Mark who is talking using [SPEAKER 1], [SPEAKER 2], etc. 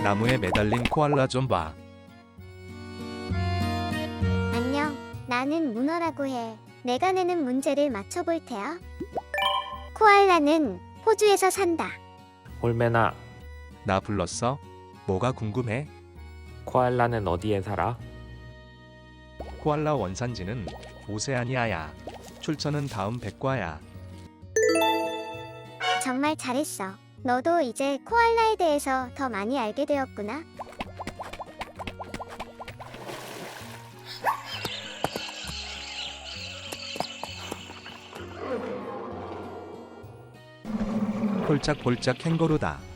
[SPEAKER 1] 나무에 매달린 코알라 좀 봐.
[SPEAKER 2] 안녕, 나는 문어라고 해. 내가 내는 문제를 맞춰볼 테야. 코알라는 호주에서 산다.
[SPEAKER 3] 홀메나,
[SPEAKER 1] 나 불렀어? 뭐가 궁금해?
[SPEAKER 3] 코알라는 어디에 살아?
[SPEAKER 1] 코알라 원산지는 오세아니아야. 출처는 다음 백과야.
[SPEAKER 2] 정말 잘했어. 너도 이제 코알라에 대해서 더 많이 알게 되었구나.
[SPEAKER 1] 폴짝폴짝 캥거루다.